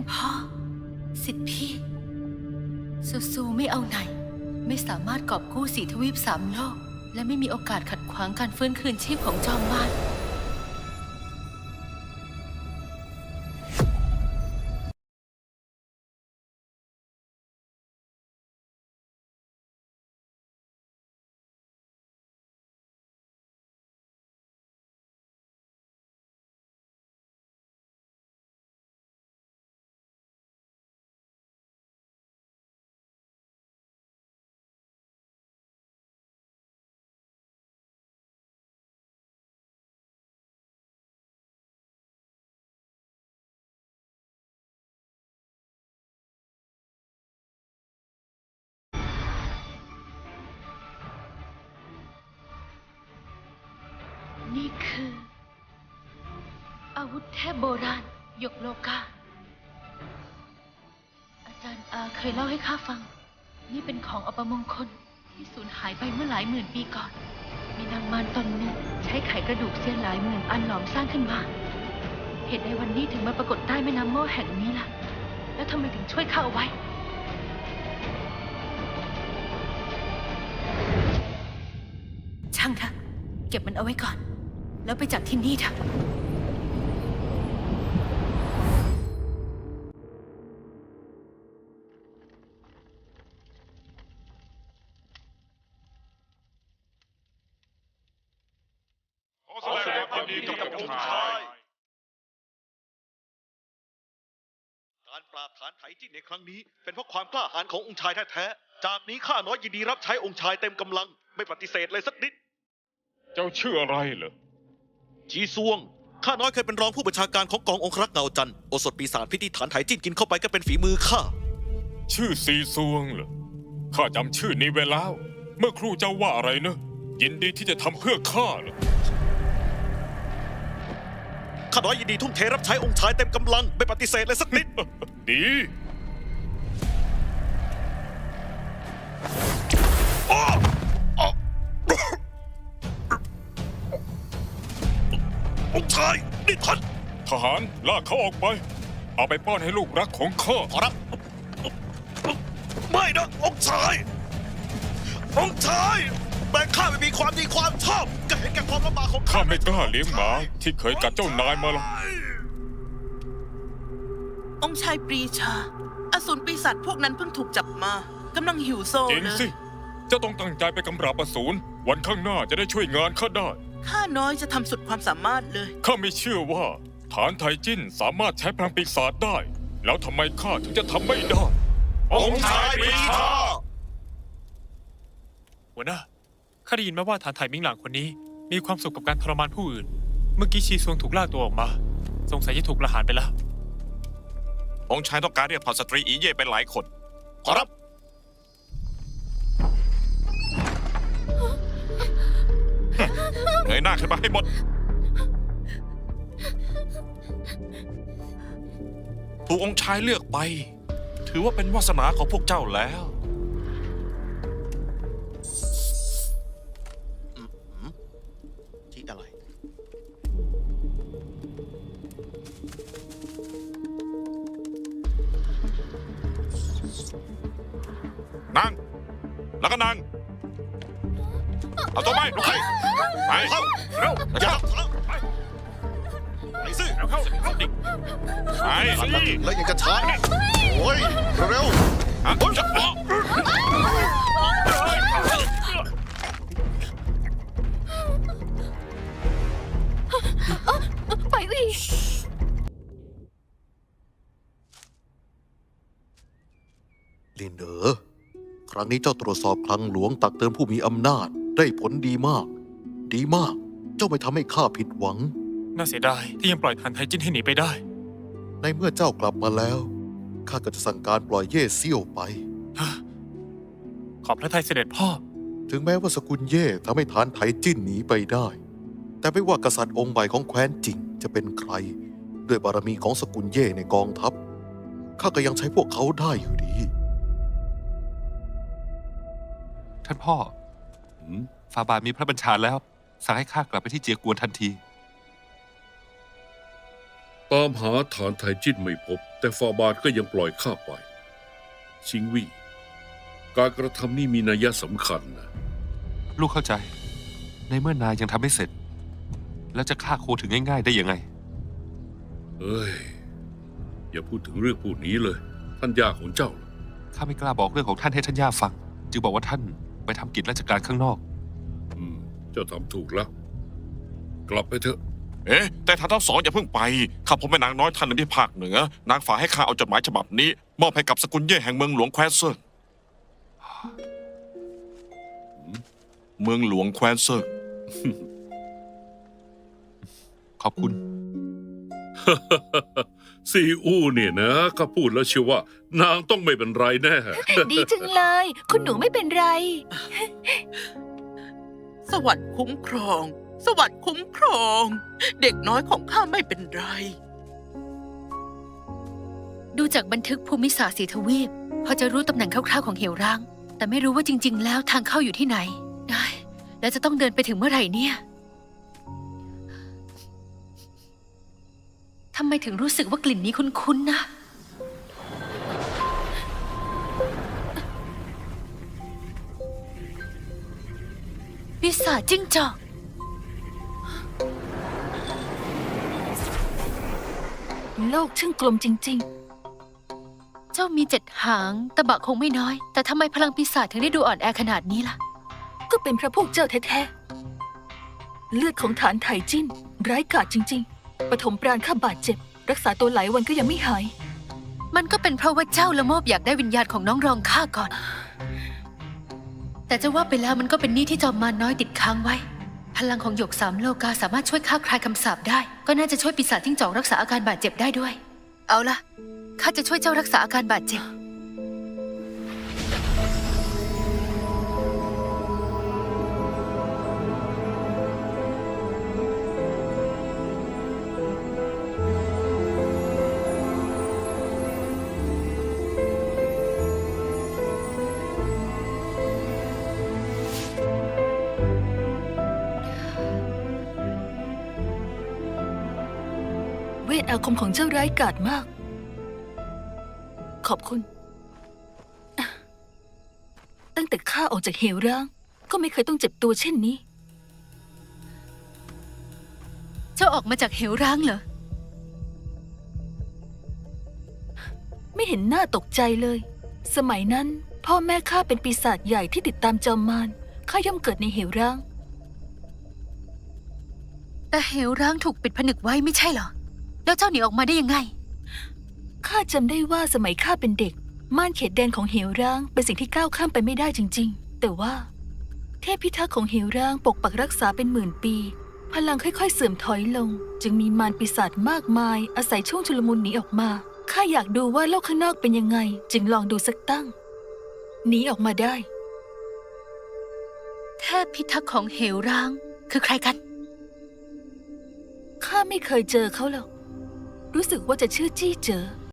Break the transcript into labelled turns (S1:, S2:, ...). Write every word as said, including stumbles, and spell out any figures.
S1: พ่อสิทธิพี่ซูซูไม่เอาไหนไม่สามารถกอบกู้สีทวีปสามโลกและไม่มีโอกาสขัดขวางการฟื้นคืนชีพของจอมมารนี่คืออาวุธเทพโบราณหยกโลกาอาจารย์อาเคยเล่าให้ข้าฟังนี่เป็นของอัปมงคลที่สูญหายไปเมื่อหลายหมื่นปีก่อนมีนางมารตนหนึ่งใช้ไขกระดูกเสี้ยนหลายหมื่นอันหลอมสร้างขึ้นมาเหตุใดวันนี้ถึงมาปรากฏใต้แม่น้ำโม่แห่งนี้ล่ะแล้วทำไมถึงช่วยข้าเอาไว้ช่างเถอะเก็บมันเอาไว้ก่อนแล้วไปจากที่นี่เถอะ
S2: ขอแสดงความยินดีกับองค์ชายการปราบฐานไถจิ้นในครั้งนี้เป็นเพราะความกล้าหาญขององค์ชายแท้ๆจากนี้ข้าน้อยยินดีรับใช้องค์ชายเต็มกำลังไม่ปฏิเสธเลยสักนิด
S3: เจ้าชื่ออะไรเหรอ
S2: จีซวงข้าน้อยเคยเป็นรองผู้บัญชาการของกององครักษ์เงาจันทร์โอสถปีศาจพิธีฐานไถจิ้นกินเข้าไปก็เป็นฝีมือข้า
S3: ชื่อซีซวงเหรอข้าจำชื่อนี้ไว้แล้ว เมื่อครูเจ้าว่าอะไรนะยินดีที่จะทำเพื่อข้าเหรอ
S2: ข้าน้อยยินดีทุ่มเทรับใช้องค์ชายเต็มกำลังไม่ปฏิเสธเลยสักนิด
S3: ดี
S2: องค์ชายนี่ท่าน
S3: ทหารลากเขาออกไปเอาไปป้อนให้ลูกรักของข้า
S2: ขอรับไม่นะองค์ชายองค์ชายแม้ข้าไม่มีความดีความชอบก็เห็นแก่ความลำบากของข้า
S3: ข้าไม่กล้าเลี้ยงหมาที่เคยกัดเจ้านายมาหรอก
S4: องค์ชายปรีชาอสูรปีศาจพวกนั้นเพิ่งถูกจับมากำลังหิวโซ
S3: จริง
S4: เลย
S3: สิเจ้าต้องตั้งใจไปกำราบอสูรวันข้างหน้าจะได้ช่วยงานข้าได้
S4: ข้าน้อยจะทำสุดความสามารถเลย
S3: ข้าไม่เชื่อว่าฐานไทจิ้นสามารถใช้พลังปีศาจได้ แล้วทำไมข้าถึงจะทำไม่ได้
S2: องค์ชายปรีชา
S5: หัวหน้าข้าได้ยินมาว่าฐานไถมิงหลังคนนี้มีความสุขกับการทรมานผู้อื่นเมื่อกี้ชีซวงถูกล่าตัวออกมาสงสัยจะถูกประหารไปแล้ว
S6: องค์ชายต้องการเรียกเผ่าสตรีอีเย่เป็นหลายคน
S2: ขอรับ
S6: เงยหน้าขึ้นมาให้หมดถูกองค์ชายเลือกไปถือว่าเป็นวาสนาของพวกเจ้าแล้ว
S2: ที่อะไร
S6: นั่งแล้วก็นั่งเอาตัวไปลุกขึ้นไปเข้าเร็วอย่าไปไปสิเร็วเข้าไปสิ
S2: แล้วยังจะช้าโอ้ยเร็ว
S6: อ่ะจะออก
S1: ไปสิ
S2: ลินเอ๋อครั้งนี้เจ้าตรวจสอบคลังหลวงตักเตือนผู้มีอำนาจได้ผลดีมากดีมากเจ้าไม่ทำให้ข้าผิดหวัง
S5: น่าเสียดายที่ยังปล่อยฐานไถจิ้นให้หนีไปได้
S2: ในเมื่อเจ้ากลับมาแล้วข้าก็จะสั่งการปล่อยเย่เซี่ยวไป
S5: ขอบพระทัยเสด็จพ่อ
S2: ถึงแม้ว่าสกุลเย่ทำให้ฐานไถจิ้นหนีไปได้แต่ไม่ว่ากษัตริย์องค์ใหม่ของแคว้นจิงจะเป็นใครด้วยบารมีของสกุลเย่ในกองทัพข้าก็ยังใช้พวกเขาได้อยู่ดี
S7: ท่านพ่อฟาบาทมีพระบัญชาแล้วสั่งให้ข้ากลับไปที่เจียกวนทันที
S8: ตามหาฐานไทจินไม่พบ แต่ฟาบาทก็ยังปล่อยข้าไป ชิงวี่ การกระทำนี้มีนัยสำคัญนะ
S7: ลูกเข้าใจ ในเมื่อนายยังทำไม่เสร็จ แล้วจะฆ่าโคถึงง่ายๆได้ยังไง
S8: เอ้ย อย่าพูดถึงเรื่องพวกนี้เลย ท่านย่าของเจ้าล่ะ
S7: ข้าไม่กล้าบอกเรื่องของท่านให้ท่านย่าฟัง จึงบอกว่าท่านไปทำกิจราชการข้างนอก
S8: อืม เจ้าทำถูกแล้ว กลับไปเถอะ
S6: เอ๊ะ แต่ท่านทั้งสองอย่าเพิ่งไป ข้าพบแม่นางน้อยท่านหนึ่งที่ภาคเหนือ นางฝากให้ข้าเอาจดหมายฉบับนี้ มอบให้กับสกุลเย่แห่งเมืองหลวงแคว้นเซิงเมืองหลวงแคว้นเซิง
S7: ขอบคุณ
S8: ซีอู้เนี่ยนะข้าพูดแล้วเชื่อว่า นางต้องไม่เป็นไรแน่
S9: ดีจังเลย คุณหนูไม่เป็นไร
S4: สวรรค์คุ้มครอง สวรรค์คุ้มครอง เด็กน้อยของข้าไม่เป็นไร
S1: ดูจากบันทึกภูมิศาสตร์สีทวีปพอจะรู้ตำแหน่งคร่าวๆของเหวร้าง แต่ไม่รู้ว่าจริง ๆ แล้วทางเข้าอยู่ที่ไหนได้แล้วจะต้องเดินไปถึงเมื่อไหร่เนี่ยทำไมถึงรู้สึกว่ากลิ่นนี้คุ้นๆนะปีศาจจิ้งจอก
S9: โลกช่างกลมจริง
S1: เจ้ามีเจ็ดหางตะบะคงไม่น้อย แต่ทำไมพลังปีศาจถึงได้ดูอ่อนแอขนาดนี้ล่ะ
S9: ๆ ก็เป็นเพราะพวกเจ้าแท้ๆ เลือดของฐานไถจิ้น ร้ายกาจจริงๆ ปฐมปราณข้าบาดเจ็บ รักษาตัวหลายวันก็ยังไม่หาย
S1: มันก็เป็นเพราะว่าเจ้าละโมบอยากได้วิญญาณของน้องรองข้าก่อน แต่จะว่าไปแล้วมันก็เป็นหนี้ที่จอมมารน้อยติดค้างไว้ พลังของหยกสามโลกาสามารถช่วยฆ่าคลายคำสาปได้ ก็น่าจะช่วยปีศาจจิ้งจอกรักษาอาการบาดเจ็บได้ด้วย เอาล่ะข้าจะช่วยเจ้ารักษาอาการบาดเจ็บ
S9: เวทอาคมของเจ้าร้ายกาจมาก ขอบคุณ ตั้งแต่ข้าออกจากเหวร้าง ก็ไม่เคยต้องเจ็บตัวเช่นนี้
S1: เจ้าออกมาจากเหวร้างเหรอ
S9: ไม่เห็นหน้าตกใจเลย สมัยนั้น พ่อแม่ข้าเป็นปีศาจใหญ่ที่ติดตามจอมมารข้าย่อมเกิดในเหวร้าง
S1: แต่เหวร้างถูกปิดผนึกไว้ไม่ใช่เหรอ แล้วเจ้าหนีออกมาได้ยังไง
S9: ข้าจำได้ว่าสมัยข้าเป็นเด็ก ม่านเขตแดนของเหวร้างเป็นสิ่งที่ก้าวข้ามไปไม่ได้จริงๆ แต่ว่า เทพพิทักษ์ของเหวร้างปกปักรักษาเป็นหมื่นปี พลังค่อยๆเสื่อมถอยลง จึงมีมารปีศาจมากมาย อาศัยช่วงชุลมุนหนีออกมา ข้าอยากดูว่าโลกข้างนอกเป็นยังไง จึงลองดูสักตั้ง หนีออกมาได้
S1: เทพพิทักษ์ของเหวร้าง คือใครกัน
S9: ข้าไม่เคยเจอเขาหรอก รู้สึกว่าจะชื่อจี้เจอ